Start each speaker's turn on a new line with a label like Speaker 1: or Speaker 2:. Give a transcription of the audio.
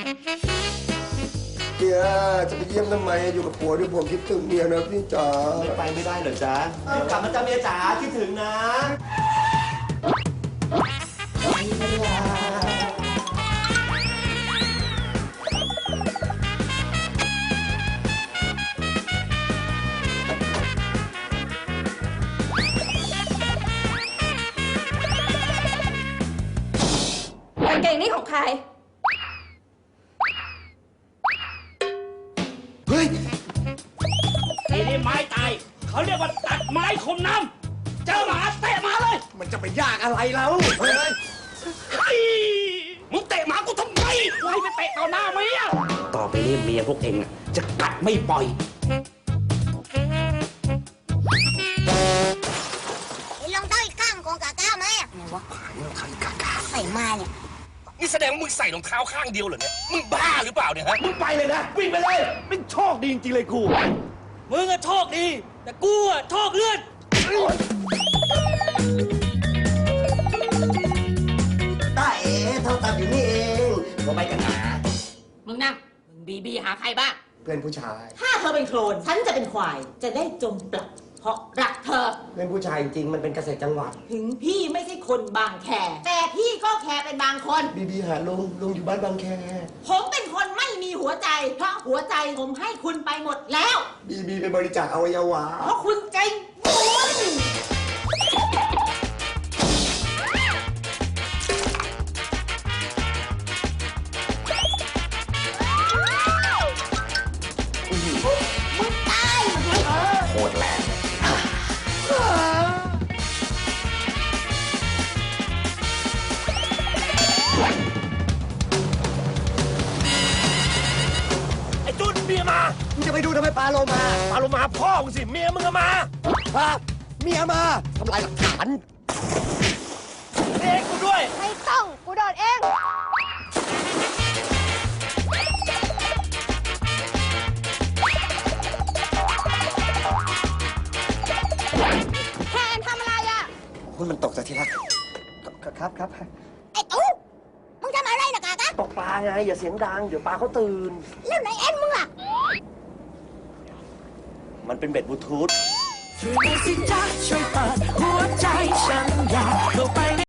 Speaker 1: เมียจะไปเยี่ยมทำไมอยู่กับผัวด้วยผมคิดถึงเมียนะพี่จ๋า
Speaker 2: ไปไม่ได้เหรอจ๊ะกลับมาจ้าเมียจ๋าคิดถึงนะ
Speaker 3: กางเกงนี่ของใคร
Speaker 1: เฮ้ย
Speaker 4: ทีนี้ไม้ตายเขาเรียกว่าตัดไม้คมน้ำเจอหมาเตะหมาเลย
Speaker 2: มันจะไปยากอะไรแล้วเฮ้ย
Speaker 4: ไอ้มึงเตะหมากูทำไมไล่ไปเตะต่อหน้าเมียต่อไปนี้เมียพวกเองจะกัดไม่ปล่อย
Speaker 5: ลองเท้าอีกข้างของกาก้าไหมอะไหนวะใส่มาเนี่ย
Speaker 4: นี่แสดงว่ามึงใส่รองเท้าข้างเดียวเหรอเนี่ยมึงบ้าหรือเปล่าเนี่ยฮะ
Speaker 2: มึงไปเลยนะวิ่งไปเลยเป็นโชคดีจริงๆเลยกู
Speaker 4: มึงอะโชคดี แต่กูอะโชคเลื่อน
Speaker 1: ตาเอ๋เท่าตัดอยู่นี่เองก็ไปกันหา
Speaker 3: มึงนะมึงบีหาใครบ้าง
Speaker 1: เพื่อนผู้ชาย
Speaker 3: ถ้าเธอเป็นโคลน ฉันจะเป็นควาย จะได้จมปลัก เพราะรักเธอ
Speaker 1: เพื่อนผู้ชายจริงๆมันเป็นเกษตรจังหวัด
Speaker 3: ถึงพี่ไม่ใช่คนบางแค แต่พี่ก็แคร์เป็นบางคน
Speaker 1: บีหาลุงอยู่บ้านบางแค
Speaker 3: ผมเป็นคนไม่มีหัวใจ เพราะหัวใจผมให้คุณไปหมดแล้ว
Speaker 1: บีไปบริจาคอวัยวะ
Speaker 3: เพราะคุณใจบุญ
Speaker 5: มึงตาย
Speaker 2: โคตรแรง
Speaker 4: ไอ้จุดเมียมา
Speaker 1: มึงจะไปดูทำไมปลาโลมา
Speaker 4: ปาโลมาพ่อมึงสิเมียมึงอะมา
Speaker 1: ฮะเมียมาทำลายหลักฐาน
Speaker 4: เอ็กกูด้วย
Speaker 5: ไม่ต้อง กูโดดเอง แทนทำอะไรอ่ะ
Speaker 1: คุณมันตกจากที่รักครับ
Speaker 5: ไอ้ตู้มึงทำอะไรนะกากะ
Speaker 2: ตกปลาไงอย่าเสียงดังเดี๋ยวปลาเขาตื่น
Speaker 5: แล้วไหนเอ็นมึงล่ะ
Speaker 2: มันเป็นเบ็ดบลูทูธ
Speaker 4: ช่วยสิจ๊ะช่วยเปิดหัวใจฉันอยากเข้าไป